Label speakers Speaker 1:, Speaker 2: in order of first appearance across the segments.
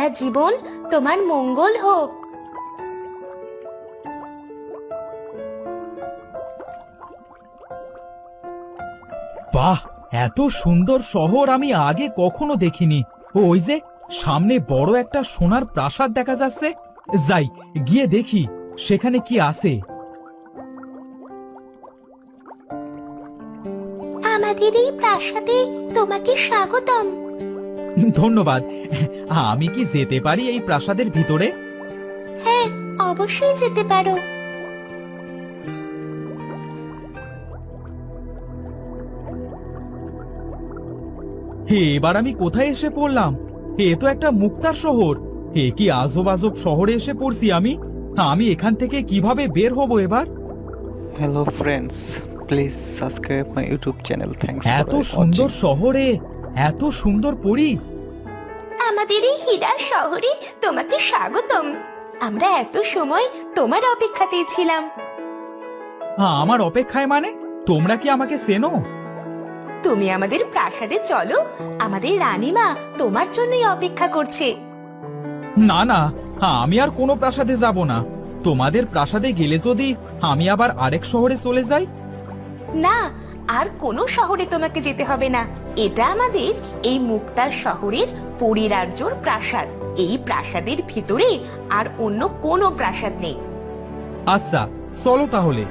Speaker 1: সারাটা জীবন তোমার মঙ্গল হোক।
Speaker 2: বাহ, এত সুন্দর শহর আমি আগে কখনো দেখিনি। ওই যে সামনে বড় একটা সোনার প্রাসাদ দেখা যাচ্ছে, যাই গিয়ে দেখি সেখানে কি আছে।
Speaker 1: আমাদের এই প্রাসাদে তোমাকে স্বাগতম।
Speaker 2: ধন্যবাদ। আমি কি যেতে পারি এই প্রাসাদের ভিতরে?
Speaker 1: হ্যাঁ, অবশ্যই যেতে পারো।
Speaker 2: হে, এবার আমি কোথায় এসে পড়লাম? এ তো একটা মুক্তার শহর। এ কি আজব আজব শহরে এসে পড়ছি আমি। আমি এখান থেকে কিভাবে বের হব এবার?
Speaker 3: Hello friends, please subscribe my YouTube channel. Thanks for
Speaker 2: এত সুন্দর
Speaker 3: watching.
Speaker 2: শহরে এত সুন্দর পরী।
Speaker 1: আমাদের এই হীরা শহরে তোমাকে স্বাগতম। আমরা এত সময় তোমার অপেক্ষাতেই ছিলাম।
Speaker 2: আমার অপেক্ষায় মানে? তোমরা কি আমাকে চেনো?
Speaker 1: তুমি আমাদের প্রাসাদে চলো, আমাদের রানীমা তোমার জন্যই অপেক্ষা করছে।
Speaker 2: না না, আমি আর কোনো প্রাসাদে যাব না। তোমাদের প্রাসাদে গেলে যদি আমি আবার আরেক শহরে চলে যাই?
Speaker 1: না, আর কোনো শহরে তোমাকে যেতে হবে না। এটা আমাদের এই মুক্তার শহরের পরিরাজ্যর প্রাসাদ। এই প্রাসাদের ভিতরে আর অন্য কোনো প্রাসাদ নেই।
Speaker 2: আচ্ছা, চলো তাহলে।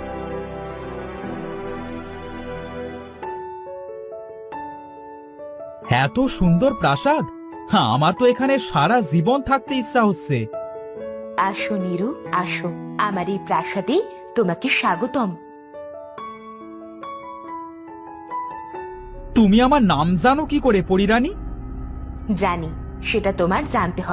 Speaker 2: এত সুন্দর প্রাসাদ, আমার তো এখানে সারা জীবন থাকতে ইচ্ছা হচ্ছে।
Speaker 1: আসো নীরু, আসো, আমার এই প্রাসাদে তোমাকে স্বাগতম।
Speaker 2: তুমি আমার নাম জানো কি করে, পরিরানী?
Speaker 1: জানি, সেটা তোমার জানতে হবে।